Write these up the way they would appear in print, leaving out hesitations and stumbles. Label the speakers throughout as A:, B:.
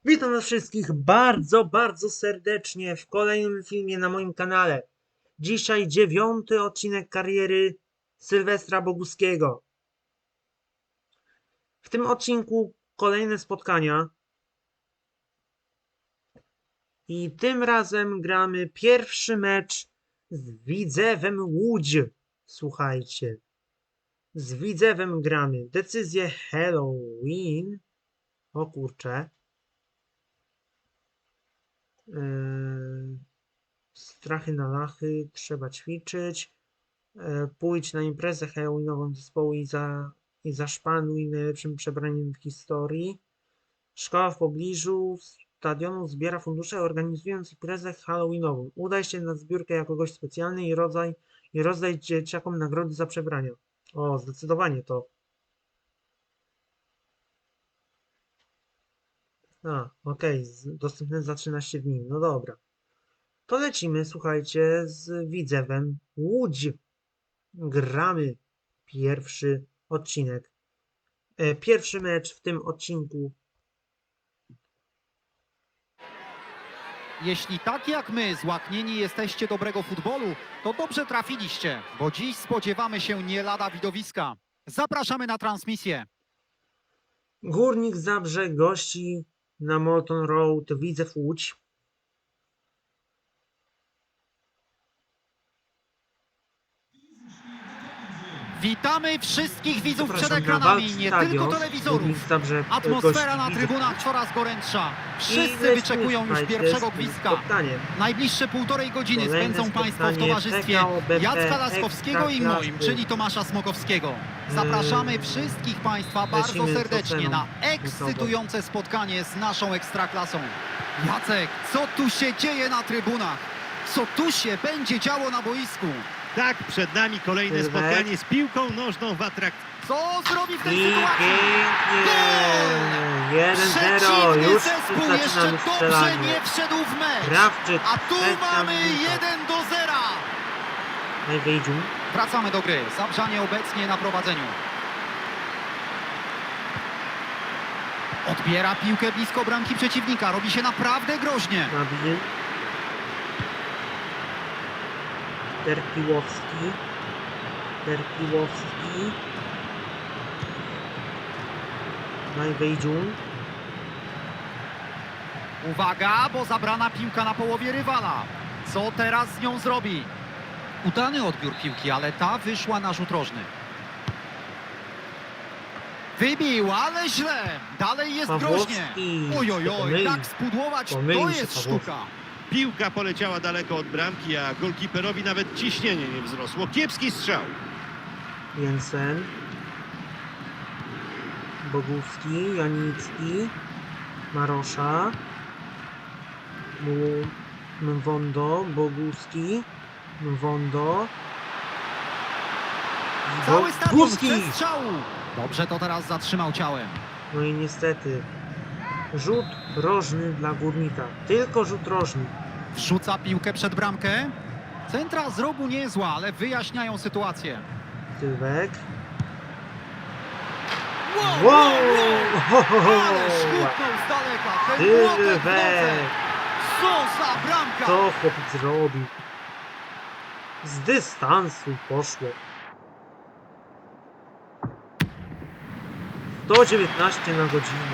A: Witam was wszystkich bardzo serdecznie w kolejnym filmie na moim kanale. Dzisiaj 9. odcinek kariery Sylwestra Boguskiego. W tym odcinku kolejne spotkania. I tym razem gramy pierwszy mecz z Widzewem Łódź. Słuchajcie. Z Widzewem gramy. Decyzję Halloween. O kurczę. Strachy na lachy, trzeba ćwiczyć. Pójdź na imprezę halloweenową zespołu i zaszpanuj najlepszym przebraniem w historii. Szkoła w pobliżu stadionu zbiera fundusze, organizując imprezę halloweenową. Udaj się na zbiórkę jako gość specjalny i rozdaj dzieciakom nagrody za przebrania. O, zdecydowanie to. Okej, dostępne za 13 dni. No dobra. To lecimy, słuchajcie, z Widzewem Łódź. Gramy pierwszy odcinek. Pierwszy mecz w tym odcinku.
B: Jeśli tak jak my złaknieni jesteście dobrego futbolu, to dobrze trafiliście, bo dziś spodziewamy się nie lada widowiska. Zapraszamy na transmisję.
A: Górnik Zabrze gości na Molton Road Widzew Łódź.
B: Witamy wszystkich widzów przed
A: Zapraszam na
B: ekranami,
A: Walk
B: nie
A: Stadion.
B: tylko
A: Górnik
B: telewizorów.
A: Zabrze
B: Atmosfera na
A: gości
B: trybunach
A: Widzew
B: coraz gorętsza.
A: Łódź.
B: Wszyscy wyczekują już pierwszego gwizdka. Najbliższe półtorej godziny
A: Kolejne
B: spędzą Państwo w
A: spotkanie
B: towarzystwie
A: PKO BP
B: Jacka Laskowskiego i moim,
A: Ekstraklasy.
B: czyli Tomasza Smokowskiego. Zapraszamy wszystkich Państwa bardzo
A: lecimy z
B: serdecznie
A: oceną
B: na ekscytujące spotkanie z naszą Ekstraklasą. Jacek, co tu się dzieje na trybunach? Co tu się będzie działo na boisku?
C: Tak, przed nami kolejne
A: Sylwek.
C: spotkanie z piłką nożną w atrakcji.
B: Co zrobi w tej
A: I
B: sytuacji?
A: pięknie! 1-0.
B: Przeciwny
A: Już
B: zespół
A: zaczynamy
B: jeszcze dobrze
A: strzelanie.
B: nie wszedł w mecz.
A: Krawczyk.
B: A tu
A: trzecia
B: mamy
A: minuta.
B: 1-0.
A: Najwejdziu.
B: Wracamy do gry. Zabrzanie obecnie na prowadzeniu. Odbiera piłkę blisko bramki przeciwnika. Robi się naprawdę groźnie.
A: Nabil. Terpiłowski. Najwejdziu.
B: Uwaga, bo zabrana piłka na połowie rywala. Co teraz z nią zrobi? Udany odbiór piłki, ale ta wyszła na rzut rożny. Wybił, ale źle. Dalej jest
A: Pawłowski.
B: groźnie. Ojojoj, tak spudłować to
A: Pomylił się
B: jest
A: Pawłowski.
B: sztuka.
C: Piłka poleciała daleko od bramki, a golkiperowi nawet ciśnienie nie wzrosło. Kiepski strzał.
A: Jensen. Bogówski. Janicki. Marosza. Mwondo. Bogówski. Mwondo.
B: Cały stadion
A: Górski.
B: chce strzału. Dobrze to teraz zatrzymał ciałem.
A: No i niestety rzut rożny dla Górnika. Tylko rzut rożny.
B: Wrzuca piłkę przed bramkę. Centra z rogu niezła, ale wyjaśniają sytuację.
A: Sylwek.
B: Wow!
A: Ho, ho, ho.
B: Ale szkutnął z daleka. Ten młotek w
A: Sylwek.
B: nodze. Co za bramka!
A: Co chłopiec zrobił? Z dystansu poszło. 119 na godzinę.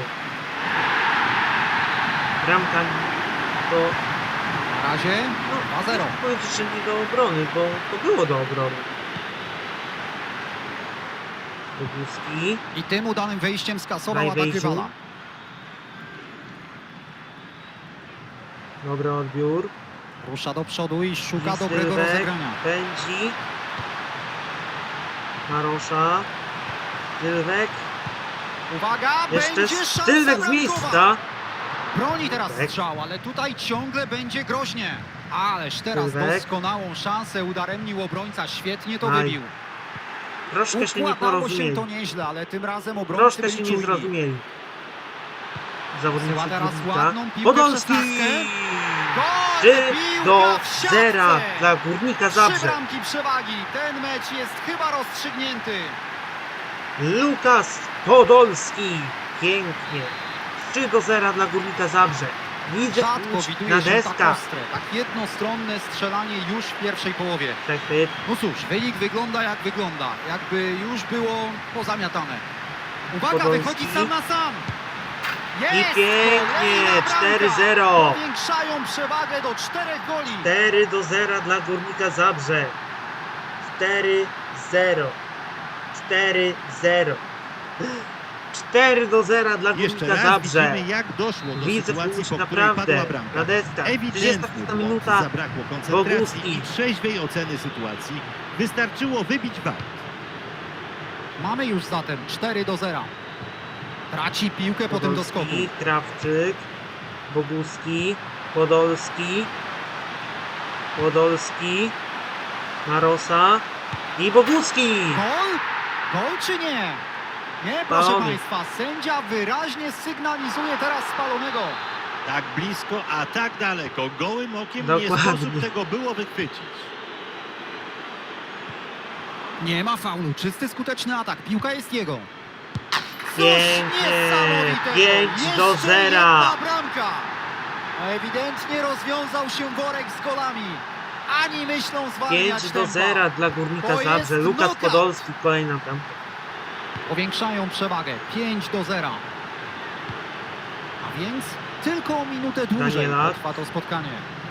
A: Bramka to...
B: Na razie
A: No,
B: 2-0.
A: nie chcę powiedzieć, że nie do obrony, bo to było do obrony. Boguski.
B: I tym udanym wejściem skasował atak
A: Najwejściu.
B: rywala.
A: Dobry odbiór.
B: Rusza do przodu i szuka
A: I
B: dobrego
A: Sylwek
B: rozegrania.
A: pędzi. Marosza. Sylwek.
B: Uwaga,
A: Jeszcze
B: będzie szansa
A: Sylwek z
B: bramkowa.
A: miejsca.
B: Broni teraz
A: Sylwek.
B: strzał, ale tutaj ciągle będzie groźnie. Ależ teraz
A: Sylwek.
B: doskonałą szansę udaremnił obrońca. Świetnie to
A: Aj.
B: wybił.
A: Troszkę się nie
B: Układało się
A: porozumieli.
B: to nieźle, ale tym razem obrońcy
A: Troszkę
B: byli
A: się nie
B: czujni.
A: zrozumieli. Zawodnicy
B: Wysyła teraz
A: Górnika.
B: ładną piłkę
A: Podolski!
B: Gol!
A: 3-0 dla Górnika
B: 3
A: Zabrze.
B: bramki przewagi. Ten mecz jest chyba rozstrzygnięty.
A: Lukas Podolski. Pięknie. 3-0 dla Górnika Zabrze. Widzę
B: Rzadko
A: Łódź
B: widuje
A: na
B: się tak
A: deskach.
B: ostre, tak jednostronne strzelanie już w pierwszej połowie.
A: Przechwyt.
B: No cóż, wynik wygląda jak wygląda, jakby już było pozamiatane. Uwaga,
A: Podolski.
B: wychodzi sam na sam.
A: I
B: Jest!
A: pięknie,
B: Kolejna bramka!
A: 4-0.
B: Powiększają przewagę do 4 goli.
A: 4-0 dla Górnika Zabrze. 4-0. 4-0. 4-0 dla
C: Jeszcze
A: Górnika
C: raz
A: Zabrze.
C: widzimy, jak doszło do
A: Widzę
C: sytuacji,
A: Łódź
C: po której
A: naprawdę
C: padła bramka.
A: na deskach.
C: Ewidentny
A: 35
C: błąd,
A: minuta.
C: zabrakło koncentracji
A: Boguski.
C: i trzeźwej oceny sytuacji. Wystarczyło wybić war.
B: Mamy już zatem 4-0. Traci piłkę po tym doskoku.
A: Podolski, Krawczyk, Boguski, Podolski, Podolski, Marosa i Boguski.
B: Gol? Gol czy nie? Nie, proszę
A: Spalony.
B: Państwa, sędzia wyraźnie sygnalizuje teraz spalonego.
C: Tak blisko, a tak daleko. Gołym okiem nie
A: Dokładnie.
C: sposób tego było wychwycić.
B: Nie ma faulu, czysty, skuteczny atak, piłka jest jego. Coś
A: Pięknie,
B: niesamowitego.
A: 5-0.
B: Jeszcze jedna bramka. Ewidentnie rozwiązał się worek z golami. Ani myślą zwalniać
A: 5-0
B: tempa.
A: dla Górnika
B: To jest
A: Zabrze. Lukas
B: knockout.
A: Podolski, kolejna bramka.
B: Powiększają przewagę 5-0. A więc tylko o minutę dłużej
A: Danielak.
B: trwa to spotkanie.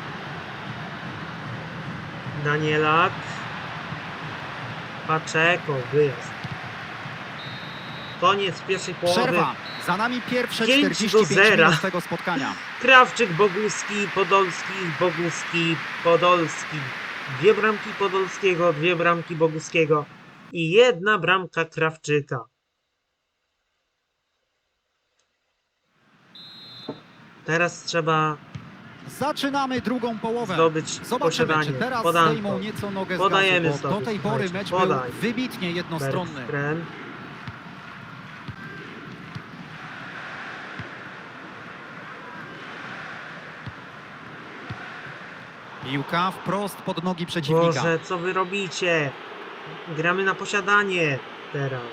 A: Danielak, Paczeko, wyjazd. Koniec pierwszej połowy.
B: Przerwa. Za nami pierwsze
A: 5-0.
B: 45 minut tego spotkania.
A: Krawczyk, Boguski, Podolski, Boguski, Podolski. 2 bramki Podolskiego, 2 bramki Boguskiego i 1 bramka Krawczyka. Teraz trzeba
B: Zaczynamy drugą połowę.
A: zdobyć
B: Zobaczymy,
A: posiadanie.
B: czy teraz
A: Podanko.
B: zdejmą nieco nogę z
A: Podajemy
B: gazu, bo
A: sobie,
B: do tej pory
A: słuchajcie,
B: mecz
A: podaj.
B: był wybitnie jednostronny.
A: Bergström.
B: Piłka wprost pod nogi przeciwnika.
A: Boże, co wy robicie? Gramy na posiadanie teraz.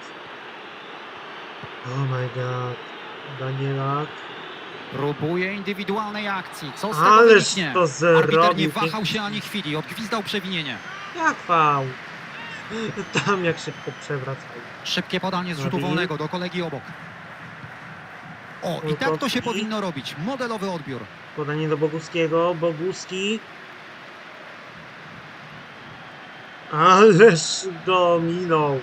A: Oh my god. Danielak.
B: Próbuje indywidualnej akcji. Co z tego
A: Ależ
B: wyniknie?
A: to
B: Arbiter nie
A: zrobił.
B: wahał się ani chwili, odgwizdał przewinienie.
A: Jak fał? Tam jak szybko przewracają.
B: Szybkie podanie z rzutu
A: Robi.
B: wolnego do kolegi obok. O, i tak to się
A: Łukowski.
B: powinno robić. Modelowy odbiór.
A: Podanie do Boguskiego. Boguski. Ależ go minął.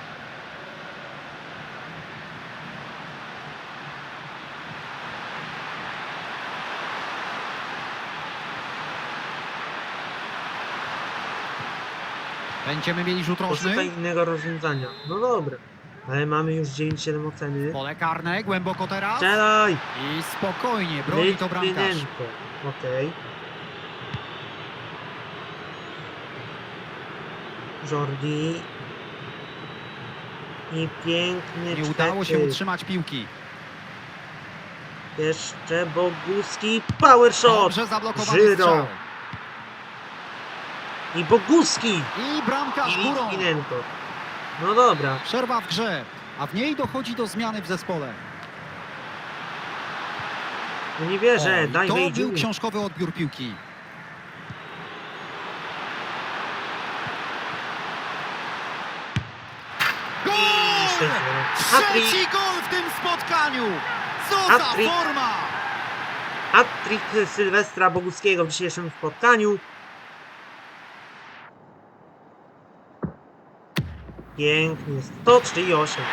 B: Będziemy mieli rzut rożny.
A: Poszukaj innego rozwiązania. No dobra. Ale mamy już 9-7 oceny.
B: Pole karne, głęboko teraz.
A: Strzelaj!
B: I spokojnie, broni to bramkarz.
A: Litwinenko. Okej. Jordi. I piękny
B: Nie udało się
A: przechwyt.
B: utrzymać piłki.
A: Jeszcze Boguski. Power shot!
B: Dobrze zablokowany
A: Żyro.
B: strzał.
A: I Boguski!
B: I bramkarz
A: I
B: górą.
A: Litwinenko. No dobra.
B: Przerwa w grze, a w niej dochodzi do zmiany w zespole.
A: No nie wierzę.
B: O, i
A: Daj
B: to
A: wejdziu.
B: był książkowy odbiór piłki. Gol!
A: 6-0. Hat-trick.
B: Trzeci gol w tym spotkaniu! Co za
A: Hat-trick.
B: forma!
A: Hat-trick Sylwestra Boguskiego w dzisiejszym spotkaniu. Pięknie. 138.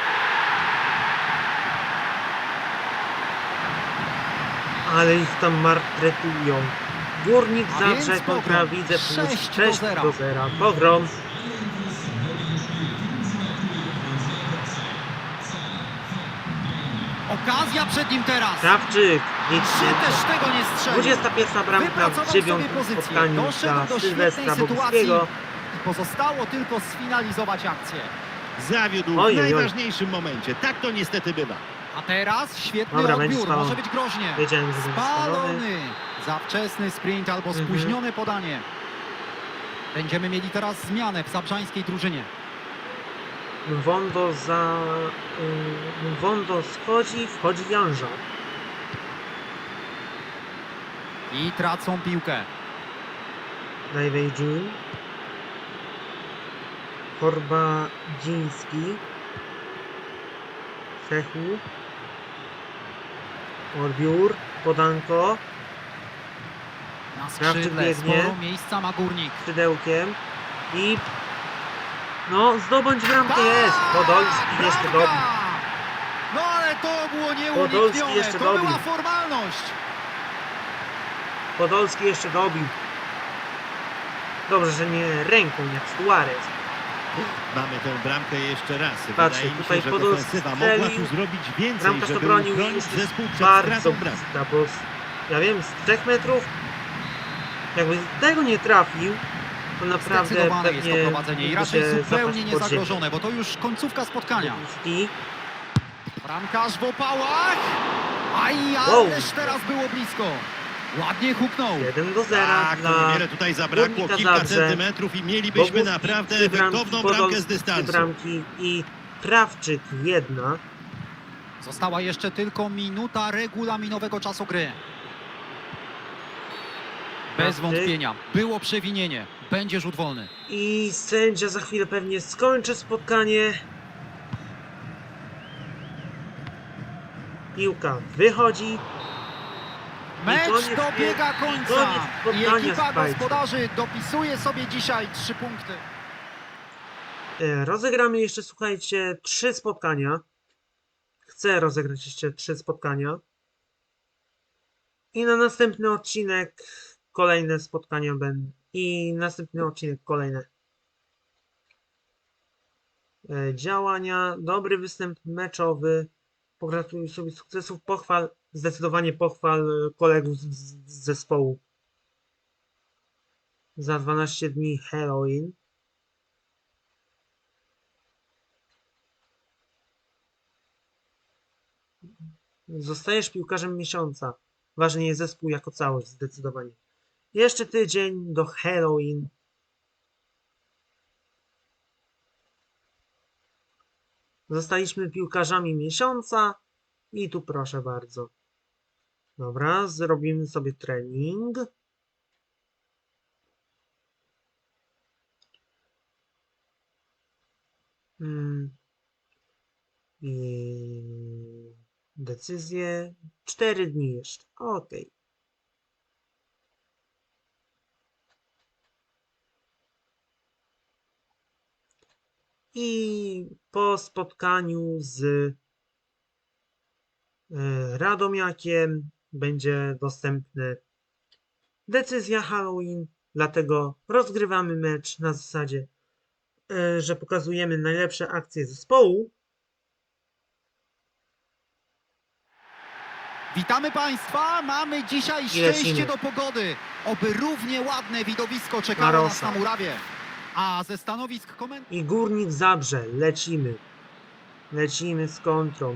A: Ale ich tam martretują. Górnik
B: A więc
A: Zabrze kontra
B: Pogrom.
A: Widzę Plus
B: 6-0.
A: 6-0. Pogrom.
B: Okazja przed nim teraz.
A: Krawczyk.
B: Czy też tego nie strzelił?
A: 21 bramka
B: Wypracował
A: w
B: sobie
A: 9
B: pozycję,
A: spotkaniu
B: doszedł
A: dla
B: do
A: Sylwestra
B: świetnej sytuacji
A: Boguskiego.
B: i pozostało tylko sfinalizować akcję.
C: Zawiódł
A: Oj,
C: w
A: oj, oj.
C: najważniejszym momencie. Tak to niestety bywa.
B: A teraz świetny
A: Dobra, będzie
B: odbiór,
A: spalony.
B: może być groźnie.
A: Wiedziałem, że będzie spalony.
B: Spalony! Za wczesny sprint albo
A: Mhm.
B: spóźnione podanie. Będziemy mieli teraz zmianę w zabrzańskiej drużynie.
A: Wondo schodzi, wchodzi Janża.
B: I tracą piłkę.
A: Najwejdziun. Korbadziński. Sechu. Odbiór. Podanko.
B: Na
A: Krawczyk
B: skrzydle
A: biegnie.
B: sporo miejsca ma Górnik.
A: Skrzydełkiem. I... No, zdobądź bramkę jest. Podolski jeszcze
B: Bramka!
A: dobił.
B: No ale to było
A: Podolski
B: nieuniknione.
A: jeszcze
B: To
A: dobił.
B: była formalność.
A: Podolski jeszcze dobił. Dobrze, że nie ręką jak Suarez.
C: Mamy tę bramkę jeszcze raz.
A: Patrzcie,
C: Wydaje mi
A: tutaj
C: się, że
A: Podolski
C: defensywa mogła tu
A: strzelił.
C: zrobić więcej,
A: Bramkarz to
C: żeby
A: bronił i
C: uchronić
A: już
C: zespół
A: jest
C: przed
A: bardzo
C: stratą bramki.
A: bliska, bo ja wiem, z 3 metrów jakby tego nie trafił, to naprawdę
B: Zdecydowane jest to
A: pewnie
B: prowadzenie i
A: mógłby
B: raczej
A: się
B: zupełnie
A: zapaść pod ziemię.
B: niezagrożone, bo to już końcówka spotkania.
A: I
B: Bramkarz w opałach. Aj,
A: Wow.
B: ależ teraz było blisko. Ładnie huknął.
A: 1-0
C: Tak, to
A: dla
C: niewiele tutaj zabrakło,
A: Górnika
C: kilka
A: Zabrze.
C: centymetrów i mielibyśmy
A: Bogucki
C: naprawdę
A: 3 bramki,
C: efektowną bramkę z
A: Podolski 3
C: dystansu.
A: bramki i Krawczyk 1.
B: Została jeszcze tylko minuta regulaminowego czasu gry. Bez
A: Krawczyk.
B: wątpienia. Było przewinienie. Będzie rzut wolny.
A: I sędzia za chwilę pewnie skończy spotkanie. Piłka wychodzi.
B: Mecz
A: koniec
B: dobiega
A: i
B: końca.
A: koniec
B: I
A: spotkania,
B: ekipa
A: słuchajcie.
B: gospodarzy dopisuje sobie dzisiaj 3 punkty.
A: Rozegramy jeszcze, słuchajcie, 3 spotkania. Chcę rozegrać jeszcze 3 spotkania. I na następny odcinek kolejne spotkania będą. I następny odcinek kolejne działania. Dobry występ meczowy. Pogratuluj sobie sukcesów. Pochwal, zdecydowanie pochwal kolegów z zespołu. Za 12 dni Halloween. Zostajesz piłkarzem miesiąca. Ważny jest zespół jako całość, zdecydowanie. Jeszcze tydzień do Halloween. Zostaliśmy piłkarzami miesiąca. I tu proszę bardzo. Dobra, zrobimy sobie trening. I decyzje 4 dni jeszcze. Ok. I po spotkaniu z Radomiakiem będzie dostępny decyzja Halloween, dlatego rozgrywamy mecz na zasadzie, że pokazujemy najlepsze akcje zespołu.
B: Witamy Państwa, mamy dzisiaj
A: lecimy.
B: szczęście do pogody. Oby równie ładne widowisko czekało nas
A: Marosa.
B: na murawie. A ze stanowisk komentarzy...
A: I Górnik Zabrze. Lecimy. Lecimy z kontrą.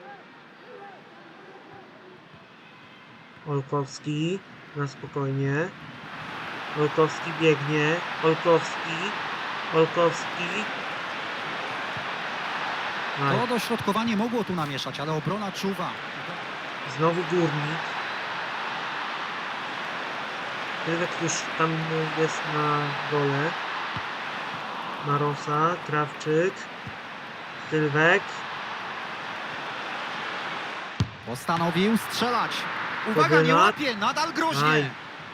A: Olkowski na spokojnie. Olkowski biegnie. Olkowski. Olkowski. Aj,
B: To dośrodkowanie mogło tu namieszać, ale obrona czuwa.
A: znowu Górnik. Tylek już tam jest na dole. Marosa, Krawczyk. Sylwek.
B: Postanowił strzelać. Uwaga, nie
A: Kobyla.
B: łapie, nadal groźnie.
A: Aj.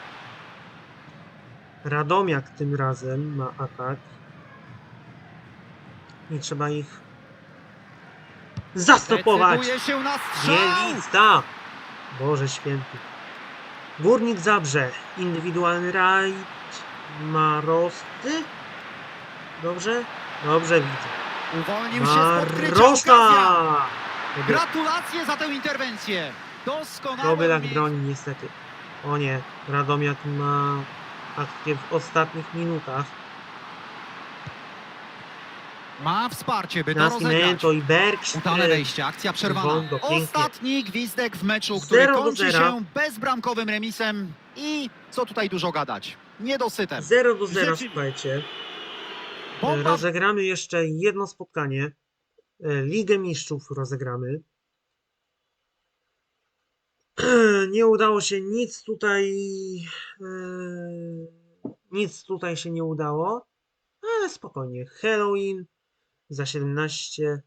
A: Radomiak tym razem ma atak. I trzeba ich zastopować.
B: Decyduje się na strzał.
A: Bielica! Boże święty. Górnik Zabrze. Indywidualny rajd. Marosty. Dobrze? Dobrze widzę.
B: Uwolnił się z podkrycia.
A: Marosa!
B: Okazja. Gratulacje za tę interwencję. Doskonałe
A: Kobylak
B: umiejętności.
A: broni niestety. O nie. Radomiak ma akcję w ostatnich minutach.
B: Ma wsparcie, by to rozegrać.
A: Nascimento i Bergström.
B: Udane wejście, akcja przerwana.
A: Wondo, pięknie.
B: Ostatni gwizdek w meczu, który
A: 0 do
B: kończy
A: 0.
B: się bezbramkowym remisem i co tutaj dużo gadać, niedosytem.
A: 0-0,
C: Rzeczywiście.
A: słuchajcie.
B: Bomba
A: Rozegramy jeszcze jedno spotkanie. Ligę Mistrzów rozegramy. Nie udało się nic tutaj się nie udało, ale spokojnie. Halloween za 17.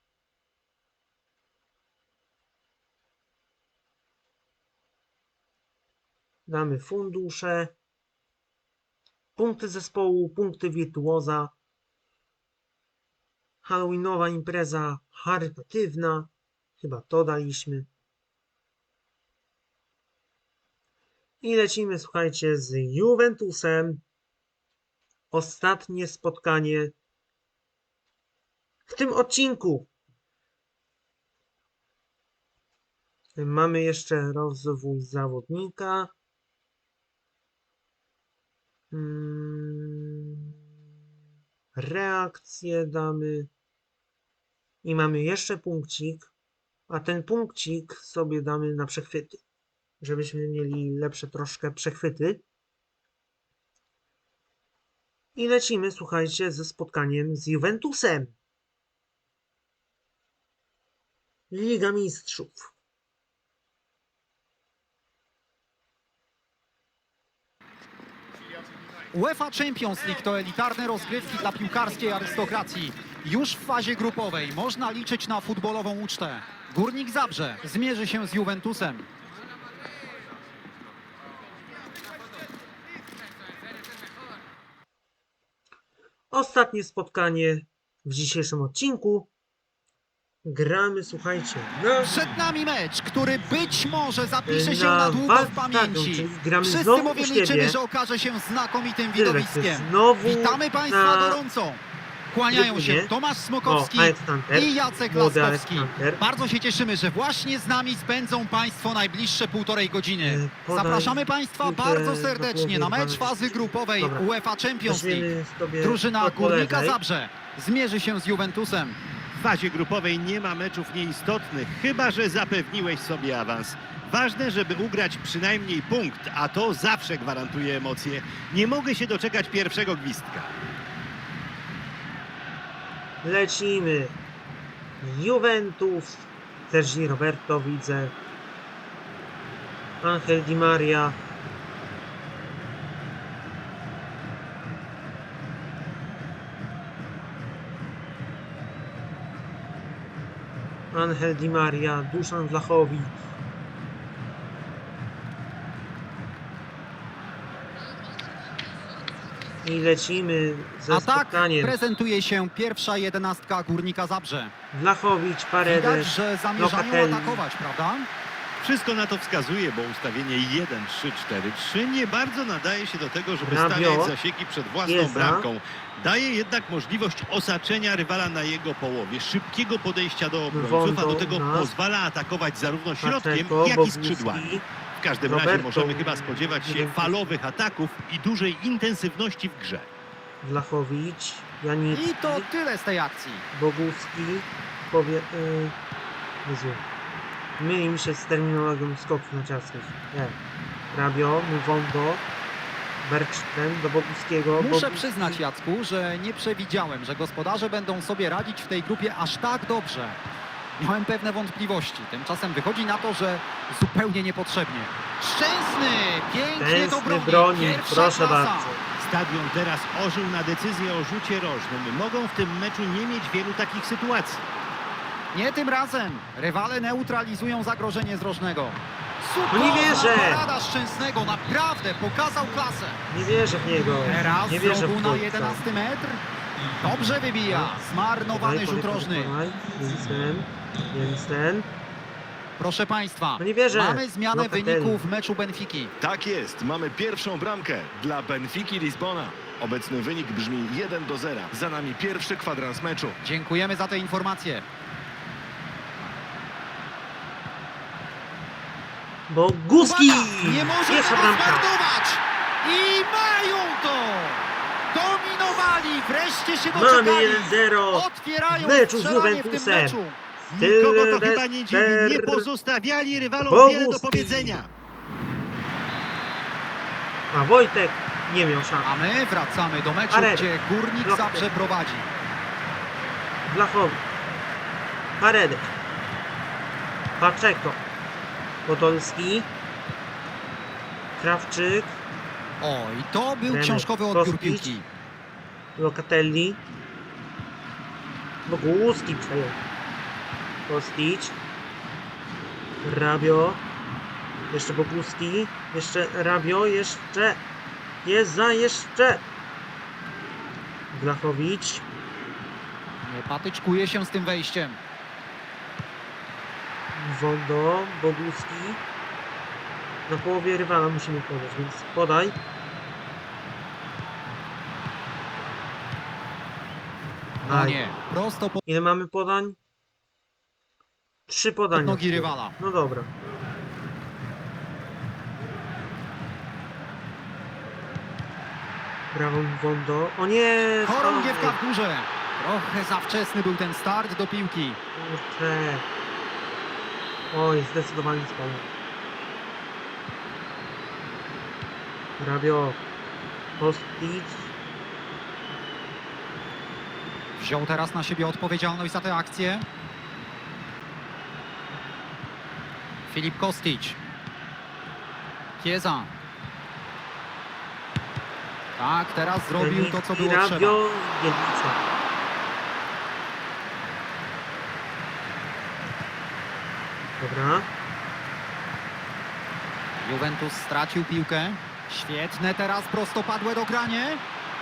A: Damy fundusze. Punkty zespołu, punkty wirtuoza. Halloweenowa impreza charytatywna. Chyba to daliśmy. I lecimy, słuchajcie, z Juventusem. Ostatnie spotkanie w tym odcinku. Mamy jeszcze rozwój zawodnika. Reakcję damy. I mamy jeszcze punkcik. A ten punkcik sobie damy na przechwyty. Żebyśmy mieli lepsze troszkę przechwyty. I lecimy, słuchajcie, ze spotkaniem z Juventusem. Liga Mistrzów.
B: UEFA Champions League to elitarne rozgrywki dla piłkarskiej arystokracji. Już w fazie grupowej można liczyć na futbolową ucztę. Górnik Zabrze zmierzy się z Juventusem.
A: Ostatnie spotkanie w dzisiejszym odcinku. Gramy, słuchajcie,
B: Przed nami mecz, który być może zapisze się
A: na
B: na długo w
A: walkę,
B: pamięci.
A: czyli gramy
B: Wszyscy
A: znowu u
B: bowiem
A: siebie.
B: liczymy, że okaże się znakomitym
A: Sylwek,
B: widowiskiem.
A: znowu
B: Witamy Państwa
A: na
B: gorąco. Kłaniają się
A: trybunie.
B: Tomasz Smokowski
A: Aleksander,
B: i Jacek
A: młody
B: Laskowski.
A: Aleksander.
B: Bardzo się cieszymy, że właśnie z nami spędzą Państwo najbliższe półtorej godziny.
A: Podaj
B: Zapraszamy Państwa
A: piłkę
B: bardzo
A: do
B: serdecznie na
A: głowy
B: mecz
A: Iwana.
B: fazy grupowej
A: Dobra.
B: UEFA Champions League.
A: Weźmiemy sobie
B: Drużyna
A: to po
B: Górnika
A: lewej.
B: Zabrze zmierzy się z Juventusem.
C: W fazie grupowej nie ma meczów nieistotnych, chyba że zapewniłeś sobie awans. Ważne, żeby ugrać przynajmniej punkt, a to zawsze gwarantuje emocje. Nie mogę się doczekać pierwszego gwizdka.
A: Lecimy. Juventus. Sergi Roberto widzę. Angel Di Maria. Angel Di Maria. Duszan Vlahovic. I lecimy ze
B: A tak
A: spotkaniem.
B: prezentuje się pierwsza jedenastka Górnika Zabrze.
A: Vlahovic,
B: Widać,
A: Paredes,
B: że zamierzają
A: Locatelli.
B: atakować, prawda?
C: Wszystko na to wskazuje, bo ustawienie 1-3-4-3 nie bardzo nadaje się do tego, żeby
A: Rabiot,
C: stawiać zasieki przed własną
A: Chiesa.
C: bramką. Daje jednak możliwość osaczenia rywala na jego połowie, szybkiego podejścia do obrońców, a do tego
A: Wondo,
C: pozwala atakować zarówno środkiem,
A: Pacheco,
C: jak i
A: Boguski,
C: skrzydłami. W każdym razie
A: Roberto,
C: możemy chyba spodziewać się
A: Juventus.
C: falowych ataków i dużej intensywności w grze.
A: Vlahovic, Janicki,
B: I to tyle z tej akcji.
A: Boguski, Jezu. Myli mi się z terminologią skoków narciarskich. Rabio, Wondo, Bergström do Boguskiego.
B: Muszę
A: Boguski,
B: przyznać, Jacku, że nie przewidziałem, że gospodarze będą sobie radzić w tej grupie aż tak dobrze. Miałem pewne wątpliwości. Tymczasem wychodzi na to, że zupełnie niepotrzebnie. Szczęsny! Pięknie to
A: Tęskny
B: broni.
A: broni,
B: Pierwsza
A: proszę
B: klasa.
A: bardzo.
C: Stadion teraz ożył na decyzję o rzucie rożnym. Mogą w tym meczu nie mieć wielu takich sytuacji.
B: Nie tym razem. Rywale neutralizują zagrożenie z rożnego.
A: No nie wierzę.
B: Parada Szczęsnego. Naprawdę pokazał klasę.
A: Nie wierzę w niego.
B: Teraz
A: Nie wierzę
B: znowu
A: w
B: na
A: chłopca.
B: 11 metr. Dobrze wybija. Zmarnowany rzut rożny.
A: Jensen.
B: Proszę Państwa,
A: No nie wierzę.
B: mamy zmianę
A: Locatelli.
B: wyniku w meczu Benfiki.
D: Tak jest, mamy pierwszą bramkę dla Benfiki Lizbona. Obecny wynik brzmi 1-0. Za nami pierwszy kwadrans meczu.
B: Dziękujemy za te informacje.
A: Boguski!
B: Uwaga, nie może
A: Pierwsza
B: tego
A: bramka.
B: zmarnować! I mają to! Dominowali, wreszcie się
A: Mamy
B: doczekali.
A: 1-0
B: Otwierają
A: w meczu z
B: strzelanie w tym
A: Juventusem.
B: meczu.
C: Nikogo to chyba nie dziwi. Nie
A: Sylwester
C: pozostawiali rywalom
A: Boguski.
C: wiele do powiedzenia.
A: A Wojtek nie miał szans.
B: A my wracamy do meczu,
A: Paredes.
B: gdzie Górnik
A: Locatelli.
B: Zabrze prowadzi.
A: Vlahovic. Paredes. Pacheco. Podolski. Krawczyk.
B: O, i to był
A: Bremer.
B: książkowy odbiór
A: Kostić.
B: piłki.
A: Locatelli. Boguski przejął. Kostić. Rabio. Jeszcze Boguski. Jeszcze Rabio. Jeszcze. Jeza. Jeszcze. Blachowicz.
B: Nie patyczkuje się z tym wejściem.
A: Wondo. Boguski. Na połowie rywala musimy podać, więc podaj.
B: No
A: Aj.
B: nie, prosto pod
A: Ile mamy podań? 3 podania.
B: nogi rywala.
A: No dobra. Brawo Wondo. O nie!
B: Chorągiewka w górze. Trochę za wczesny był ten start do piłki.
A: Kurczę. Oj, zdecydowanie spadł. Rabio. Kostić.
B: Wziął teraz na siebie odpowiedzialność za tę akcję. Filip Kostić. Chiesa. Tak, teraz zrobił to, co było trzeba.
A: Rabio. Bielica. Dobra.
B: Juventus stracił piłkę. Świetne teraz prostopadłe dogranie.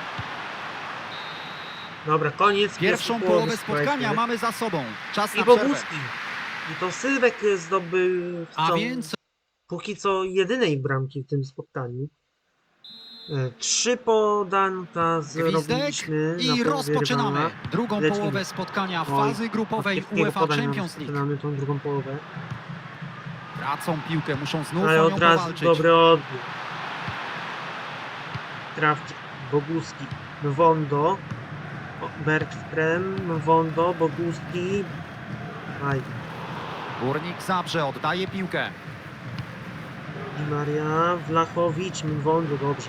A: Dobra, koniec.
B: Pierwszą
A: pierwszej
B: połowę
A: połowy,
B: spotkania
A: słuchajcie.
B: mamy za sobą. Czas
A: I
B: na przerwę.
A: Boguski. I to Sylwek zdobył
B: A więc
A: póki co jedynej bramki w tym spotkaniu. 3 podanka zrobiliśmy na
B: i
A: połowie
B: rozpoczynamy
A: rywala.
B: drugą
A: Lecimy.
B: połowę spotkania
A: Oj,
B: fazy grupowej
A: od kiepskiego
B: UEFA
A: podania
B: Champions League.
A: Zaczynamy tą drugą połowę.
B: Tracą piłkę, muszą znów
A: Ale
B: o nią
A: od razu
B: powalczyć.
A: dobry odbiór. Krawczyk, Boguski, Wondo, Bergström, Wondo, Boguski. Aj,
B: Górnik Zabrze oddaje piłkę.
A: Di Maria, Wlachowicz, Wondo, dobrze.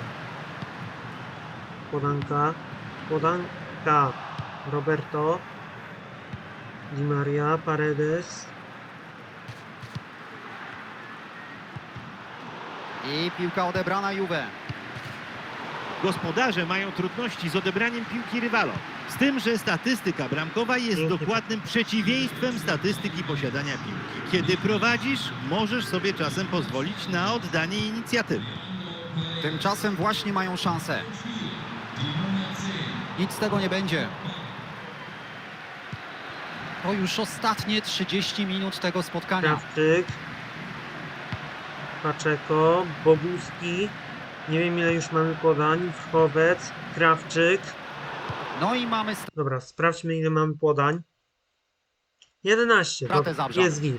A: Podanka, Roberto, Di Maria, Paredes,
B: I piłka odebrana Juve.
C: Gospodarze mają trudności z odebraniem piłki rywalom. Z tym, że statystyka bramkowa jest
A: Pięknie.
C: dokładnym przeciwieństwem statystyki posiadania piłki. Kiedy prowadzisz, możesz sobie czasem pozwolić na oddanie inicjatywy.
B: Tymczasem właśnie mają szansę. Nic z tego nie będzie. To już ostatnie 30 minut tego spotkania.
A: Krawczyk, Paczeko, Boguski. Nie wiem ile już mamy podań. Wchowec, Krawczyk.
B: No i mamy
A: Dobra, sprawdźmy ile mamy podań. 11.
B: Stratę
A: Dobra,
B: Zabrza.
A: jest git.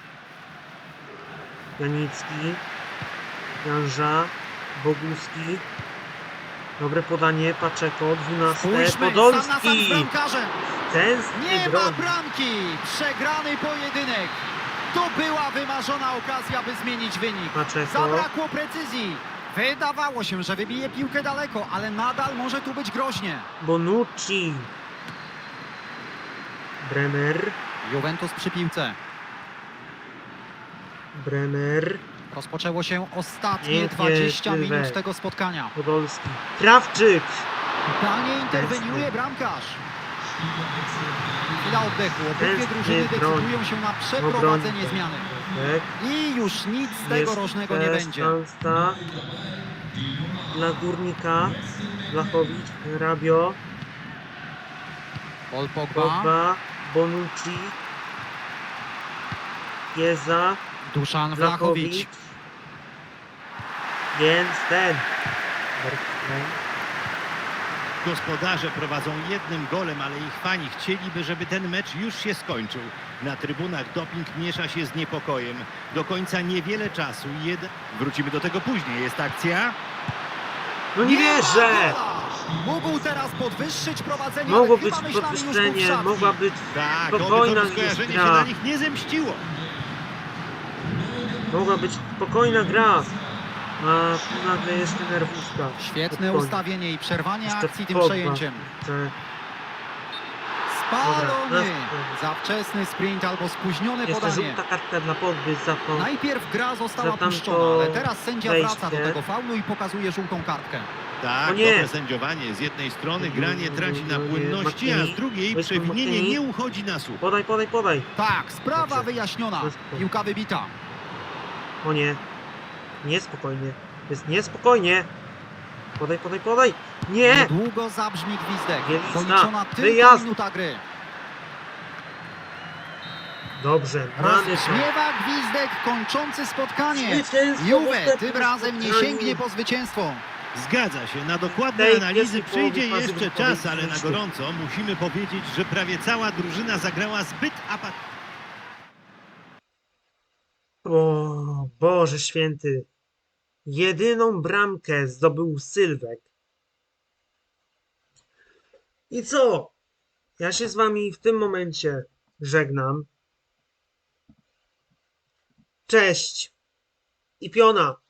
A: Janicki, Janża, Boguski. Dobre podanie, Paczeko, 12.
B: Spójrzmy, sam na sam z
A: Podolski.
B: bramkarzem.
A: Tęskny
B: Nie ma
A: drogi.
B: bramki. Przegrany pojedynek. To była wymarzona okazja, by zmienić wynik.
A: Paczeko.
B: Zabrakło precyzji. Wydawało się, że wybije piłkę daleko, ale nadal może tu być groźnie.
A: Bonucci. Bremer.
B: Juventus przy piłce.
A: Bremer.
B: Rozpoczęło się ostatnie
A: Pięknie,
B: 20
A: Sylwek.
B: minut tego spotkania.
A: Podolski. Krawczyk.
B: Danie interweniuje bramkarz. Chwila oddechu. Obydwie
A: Tęskny
B: drużyny
A: broń.
B: decydują się na przeprowadzenie zmiany.
A: Tak.
B: I już nic z tego rożnego nie
A: Jest
B: będzie.
A: szansa dla Górnika. Blachowicz, Rabio,
B: Paul Pogba,
A: Pogba, Bonucci, Chiesa,
B: Duszan
A: Blachowicz.
B: Vlahovic.
A: Więc ten. Bergström.
C: Gospodarze prowadzą jednym golem, ale ich fani chcieliby, żeby ten mecz już się skończył. Na trybunach doping miesza się z niepokojem. Do końca niewiele czasu. Wrócimy do tego później. Jest akcja.
A: No nie
B: ma
A: wierzę!
B: gola! Mógł teraz podwyższyć prowadzenie,
A: Mogło
B: ale
A: być
B: chyba myślami już był w
A: podwyższenie,
B: szatni.
A: mogła być
C: Tak, oby
A: spokojna
C: to skojarzenie się
A: gra.
C: na nich nie zemściło.
A: Mogła być spokojna gra. A tu nagle jeszcze nerwówka.
B: Świetne
A: Pod koniec.
B: ustawienie i przerwanie
A: Jeszcze
B: akcji tym
A: Pogba.
B: przejęciem.
A: Jeszcze
B: Spalony!
A: Dobra.
B: Za wczesny sprint albo spóźnione
A: Jeszcze
B: podanie.
A: żółta kartka dla Podby za to.
B: Najpierw gra została
A: Za tamto
B: puszczona, ale teraz sędzia wraca do
A: wejście.
B: tego faulu i pokazuje żółtą kartkę.
C: Tak,
A: O nie!
C: dobre sędziowanie. Z jednej strony granie traci na płynności, a z drugiej
A: Wysoko
C: przewinienie
A: McKinney.
C: nie uchodzi na słup.
A: Podaj, podaj, podaj.
B: Tak, sprawa
A: Dobrze.
B: wyjaśniona.
A: To jest to.
B: Piłka wybita.
A: O nie. Niespokojnie. Jest niespokojnie. Podaj, podaj, podaj. Nie!
B: Niedługo zabrzmi gwizdek.
A: Bielizna,
B: Doliczona tylko
A: wyjazd.
B: minuta gry.
A: Dobrze, mamy to.
B: Rozbrzmiewa gwizdek kończący spotkanie.
A: Zwycięstwo w
B: Juve
A: następnym
B: tym razem nie
A: spotkaniu.
B: sięgnie po zwycięstwo.
C: Zgadza się, na dokładne
A: Tej
C: analizy
A: pierwszej
C: przyjdzie
A: połowy fazy
C: jeszcze
A: grupowej
C: czas, ale na
A: zwycięstwo.
C: gorąco musimy powiedzieć, że prawie cała drużyna zagrała zbyt apatycznie.
A: O Boże święty. Jedyną bramkę zdobył Sylwek. I co? Ja się z wami w tym momencie żegnam. Cześć. I piona.